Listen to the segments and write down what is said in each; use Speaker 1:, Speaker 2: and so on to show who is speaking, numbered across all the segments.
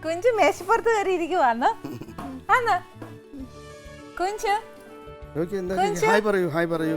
Speaker 1: കുഞ്ചു മേശപ്പുറത്ത് കയറി ഇരിക്കുവാന്ന് ആന്ന് കുഞ്ചു
Speaker 2: ഹായ് പറയൂ ഹായ് പറയൂ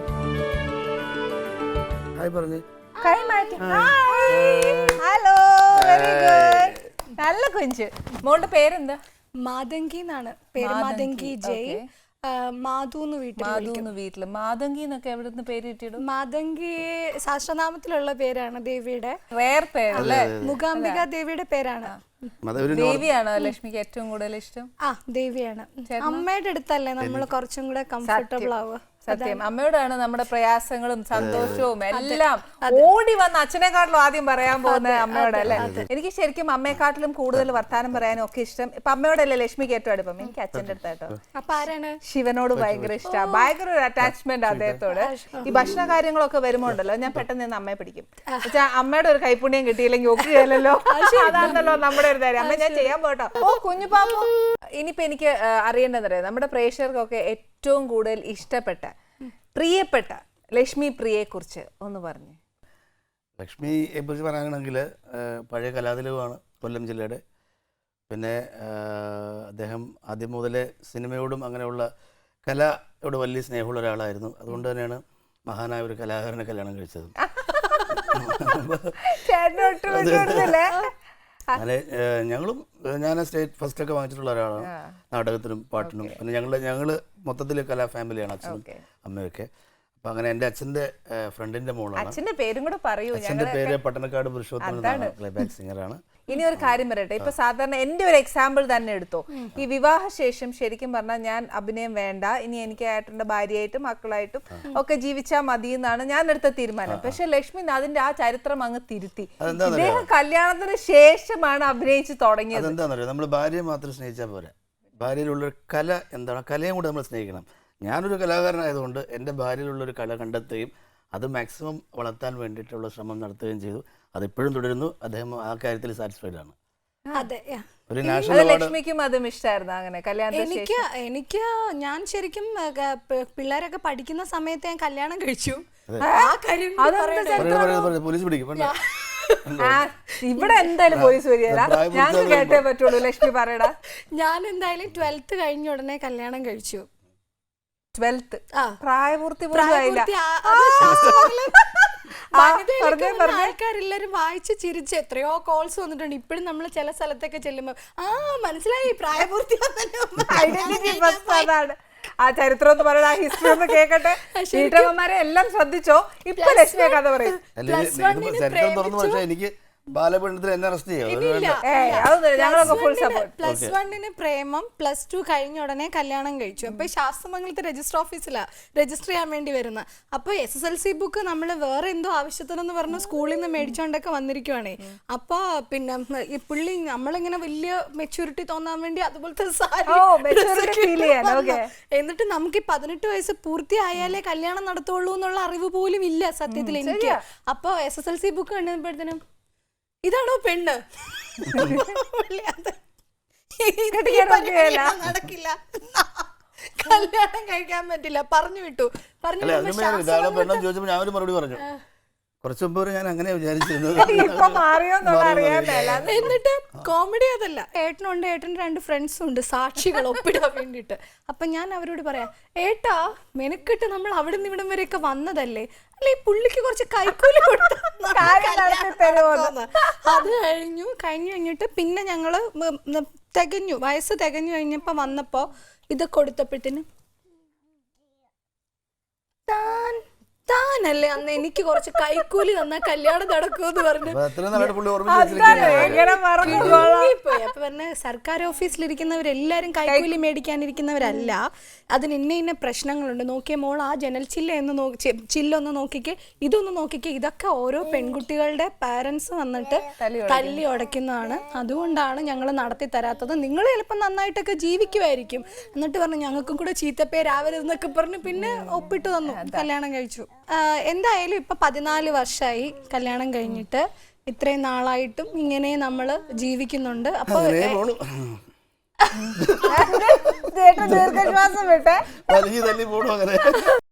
Speaker 2: ഹായ് പറഞ്ഞു
Speaker 1: കൈ മാറ്റി ഹലോ വെരി ഗുഡ് നല്ല കുഞ്ചു മോളുടെ പേരെന്താ
Speaker 3: മാതങ്കി എന്നാണ് പേര്. മാതങ്കി ജയ്. മാധുന്ന്
Speaker 1: വീട്ടില് മാതങ്കി എന്നൊക്കെ എവിടുന്ന് പേര് കിട്ടിയിടും?
Speaker 3: മാതങ്കി ശാസ്ത്രനാമത്തിലുള്ള പേരാണ് ദേവിയുടെ.
Speaker 1: റയർ പേരല്ലേ?
Speaker 3: മൂകാംബിക ദേവിയുടെ പേരാണ്.
Speaker 1: ദേവിയാണോ ലക്ഷ്മിക്ക് ഏറ്റവും കൂടുതൽ ഇഷ്ടം?
Speaker 3: ആ ദേവിയാണ്. അമ്മയുടെ അടുത്തല്ലേ നമ്മൾ കുറച്ചും കൂടെ കംഫർട്ടബിൾ ആവുക.
Speaker 1: സത്യം അമ്മയോടാണ് നമ്മുടെ പ്രയാസങ്ങളും സന്തോഷവും എല്ലാം ഓടി വന്ന് അച്ഛനെക്കാട്ടിലും ആദ്യം പറയാൻ പോകുന്നത് അമ്മയോടല്ലേ. എനിക്ക് ശരിക്കും അമ്മയെക്കാട്ടിലും കൂടുതൽ വർത്താനം പറയാനും ഒക്കെ ഇഷ്ടം ഇപ്പൊ അമ്മയോടല്ലേ ലക്ഷ്മിക്ക് ഏറ്റവും അടുപ്പം. എനിക്ക് അച്ഛൻ്റെ അടുത്തായിട്ടോ.
Speaker 3: അപ്പൊ ആരാണ്?
Speaker 1: ശിവനോട് ഭയങ്കര ഇഷ്ടമാണ്, ഭയങ്കര ഒരു അറ്റാച്ച്മെന്റ് അദ്ദേഹത്തോട്. ഈ ഭക്ഷണ കാര്യങ്ങളൊക്കെ വരുമ്പോ ഉണ്ടല്ലോ ഞാൻ പെട്ടെന്ന് നിന്ന് അമ്മയെ പിടിക്കും. അമ്മയുടെ ഒരു കൈപ്പുണ്യം കിട്ടിയില്ലെങ്കിൽ ഒക്കുകയല്ലോ, അതാണല്ലോ നമ്മുടെ ഒരു കാര്യം. അമ്മ ഞാൻ ചെയ്യാൻ പോട്ടോ. ഓ കുഞ്ഞു പാപ്പു. ഇനിയിപ്പോ എനിക്ക് അറിയേണ്ടതറിയാം നമ്മുടെ പ്രേക്ഷകർക്കൊക്കെ ഏറ്റവും കൂടുതൽ ഇഷ്ടപ്പെട്ട പ്രിയപ്പെട്ട ലക്ഷ്മി പ്രിയയെ കുറിച്ച് ഒന്ന് പറഞ്ഞു.
Speaker 2: ലക്ഷ്മിയെ കുറിച്ച് പറയുകയാണെങ്കിൽ പഴയ കലാതിലകമാണ് കൊല്ലം ജില്ലയുടെ. പിന്നെ അദ്ദേഹം ആദ്യം മുതലേ സിനിമയോടും അങ്ങനെയുള്ള കലയോട് വലിയ സ്നേഹമുള്ള ഒരാളായിരുന്നു. അതുകൊണ്ട് തന്നെയാണ് മഹാനായ ഒരു കലാകാരനെ കല്യാണം കഴിച്ചത്. അങ്ങനെ ഞങ്ങളും ഞാൻ സ്റ്റേറ്റ് ഫസ്റ്റ് ഒക്കെ വാങ്ങിച്ചിട്ടുള്ള ഒരാളാണ് നാടകത്തിനും പാട്ടിനും. പിന്നെ ഞങ്ങൾ മൊത്തത്തിൽ കലാ ഫാമിലിയാണ് അച്ഛനും അമ്മയൊക്കെ. അപ്പൊ അങ്ങനെ എൻ്റെ അച്ഛൻ്റെ ഫ്രണ്ടിന്റെ മോളാണ്.
Speaker 1: അച്ഛന്റെ പേരും കൂടെ പറയൂ.
Speaker 2: അച്ഛൻ്റെ പേര് പട്ടണക്കാട് പുരുഷോത്തമൻ എന്നാണ്, പ്ലേബാക്ക് സിംഗറാണ്.
Speaker 1: ഇനി ഒരു കാര്യം പറയട്ടെ, ഇപ്പൊ സാധാരണ എന്റെ ഒരു എക്സാമ്പിൾ തന്നെ എടുത്തോ. ഈ വിവാഹശേഷം ശരിക്കും പറഞ്ഞാൽ ഞാൻ അഭിനയം വേണ്ട, ഇനി എനിക്ക് ഏട്ടന്റെ ഭാര്യയായിട്ടും മക്കളായിട്ടും ഒക്കെ ജീവിച്ചാൽ മതി എന്നാണ് ഞാൻ എടുത്ത തീരുമാനം. പക്ഷെ ലക്ഷ്മി അതിന്റെ ആ ചരിത്രം അങ്ങ് തിരുത്തി. ഇദ്ദേഹം കല്യാണത്തിന് ശേഷമാണ് അഭിനയിച്ച് തുടങ്ങിയത്.
Speaker 2: അതെന്താണെന്നറിയോ, നമ്മൾ ഭാര്യയെ മാത്രം സ്നേഹിച്ചാൽ പോരാ, ഭാര്യയിലുള്ളൊരു കല എന്താണ്, കലയും കൂടെ നമ്മൾ സ്നേഹിക്കണം. ഞാനൊരു കലാകാരനായതുകൊണ്ട് എൻ്റെ ഭാര്യയിലുള്ളൊരു കല കണ്ടെത്തുകയും അത് മാക്സിമം വളർത്താൻ വേണ്ടിയിട്ടുള്ള ശ്രമം നടത്തുകയും ചെയ്തു. അതിപ്പോഴും തുടരുന്നു. അദ്ദേഹം ആ കാര്യത്തിൽ സാറ്റിസ്ഫൈഡ് ആണ്. ഒരു നാഷണൽ
Speaker 1: ലക്ഷ്മിക്കും അതും ഇഷ്ടമായിരുന്നു അങ്ങനെ കല്യാണം?
Speaker 3: എനിക്ക് ഞാൻ ശരിക്കും പിള്ളേരൊക്കെ പഠിക്കുന്ന സമയത്ത് ഞാൻ കല്യാണം കഴിച്ചു.
Speaker 2: പോലീസ് പിടിക്കും.
Speaker 1: ഇവിടെ എന്തായാലും പോലീസ് വരികയില്ല, ഞങ്ങൾക്ക് കേട്ടേ പറ്റുള്ളൂ. ലക്ഷ്മി പറയടാ.
Speaker 3: ഞാൻ എന്തായാലും 12th കഴിഞ്ഞ ഉടനെ കല്യാണം കഴിച്ചു.
Speaker 1: 12th പ്രായപൂർത്തി പോലും ആയില്ല.
Speaker 3: ആൾക്കാരെല്ലാരും വായിച്ച് ചിരിച്ച് എത്രയോ കോൾസ് വന്നിട്ടുണ്ട്. ഇപ്പോഴും നമ്മൾ ചില സ്ഥലത്തൊക്കെ ചെല്ലുമ്പോ മനസ്സിലായി പ്രായപൂർത്തി.
Speaker 1: അതാണ് ആ ചരിത്രം എന്ന് പറയുന്നത്, ആ ഹിസ്റ്ററി ഒന്ന് കേൾക്കട്ടെ. വീട്ടമ്മമാരെ എല്ലാം ശ്രദ്ധിച്ചോ. ഇപ്പൊ ലക്ഷ്മിയെ കഥ പറയും.
Speaker 2: എനിക്ക് ബാലപീഡനത്തിൽ എന്നെ അറസ്റ്റ് ചെയ്യാം.
Speaker 3: പ്ലസ് 1 പ്രേമം, പ്ലസ് 2 കഴിഞ്ഞ ഉടനെ കല്യാണം കഴിച്ചു. അപ്പൊ ശാസ്ത്രമംഗലത്തെ രജിസ്റ്റർ ഓഫീസിലാ രജിസ്റ്റർ ചെയ്യാൻ വേണ്ടി വരുന്നത്. അപ്പൊ SSLC ബുക്ക് നമ്മൾ വേറെ എന്തോ ആവശ്യത്തിനെന്ന് പറഞ്ഞ് സ്കൂളിൽ നിന്ന് മേടിച്ചോണ്ടൊക്കെ വന്നിരിക്കുവാണേ. അപ്പൊ പിന്നെ ഈ പുള്ളി നമ്മളിങ്ങനെ വലിയ മെച്യൂരിറ്റി തോന്നാൻ വേണ്ടി അതുപോലത്തെ എന്നിട്ട് നമുക്ക് 18 വയസ്സ് പൂർത്തിയായാലേ കല്യാണം നടത്തുള്ളൂ എന്നുള്ള അറിവ് പോലും ഇല്ല സത്യത്തിൽ എനിക്ക്. അപ്പൊ SSLC ബുക്ക് കണ്ടപ്പോഴത്തേനും ഇതാണോ പെണ്ണ്, നടക്കില്ല, കല്യാണം കഴിക്കാൻ പറ്റില്ല, പറഞ്ഞു വിട്ടു.
Speaker 2: ഞാൻ ഒരു മറുപടി പറഞ്ഞു. കുറച്ചു മുമ്പ് ഞാൻ അങ്ങനെ വിചാരിച്ചിരുന്നത്.
Speaker 3: എന്നിട്ട് കോമഡി അതല്ല, ഏട്ടനുണ്ട്, ഏട്ടൻ്റെ 2 ഫ്രണ്ട്സും ഉണ്ട് സാക്ഷികൾ ഒപ്പിടാൻ വേണ്ടിയിട്ട്. അപ്പൊ ഞാൻ അവരോട് പറയാം, ഏട്ടാ മെനക്കെട്ട് നമ്മൾ അവിടെ നിന്ന് ഇവിടം വരെയൊക്കെ വന്നതല്ലേ, അല്ലെ പുള്ളിക്ക് കുറച്ച് കൈക്കൂലി കൊടുത്തു. അത് കഴിഞ്ഞിട്ട് പിന്നെ ഞങ്ങള് വയസ്സ് തികഞ്ഞു കഴിഞ്ഞപ്പോ വന്നപ്പോ ഇത് കൊടുത്തപ്പോഴത്തേനും താനല്ലേ അന്ന് എനിക്ക് കുറച്ച് കൈക്കൂലി തന്നാ കല്യാണം നടക്കുമെന്ന് പറഞ്ഞു. അപ്പൊ പറഞ്ഞ സർക്കാർ ഓഫീസിലിരിക്കുന്നവരെല്ലാരും കൈക്കൂലി മേടിക്കാനിരിക്കുന്നവരല്ല, അതിന് ഇന്ന പ്രശ്നങ്ങളുണ്ട്. നോക്കിയ മോൾ ആ ജനൽ ചില്ലൊന്ന് നോക്കിക്കേ, ഇതൊന്ന് നോക്കിക്കേ, ഇതൊക്കെ ഓരോ പെൺകുട്ടികളുടെ പാരന്റ്സ് വന്നിട്ട് തല്ലി ഉടയ്ക്കുന്നതാണ്. അതുകൊണ്ടാണ് ഞങ്ങൾ നടത്തി തരാത്തത്. നിങ്ങൾ ചിലപ്പോൾ നന്നായിട്ടൊക്കെ ജീവിക്കുമായിരിക്കും. എന്നിട്ട് പറഞ്ഞു ഞങ്ങൾക്കും കൂടെ ചീത്തപ്പേരാവരുതെന്നൊക്കെ പറഞ്ഞു പിന്നെ ഒപ്പിട്ട് തന്നു, കല്യാണം കഴിച്ചു. എന്തായാലും ഇപ്പൊ 14 വർഷമായി കല്യാണം കഴിഞ്ഞിട്ട്. ഇത്രയും നാളായിട്ടും ഇങ്ങനെ നമ്മള് ജീവിക്കുന്നുണ്ട്. അപ്പൊ
Speaker 1: ദീർഘശ്വാസം വിട്ടെ.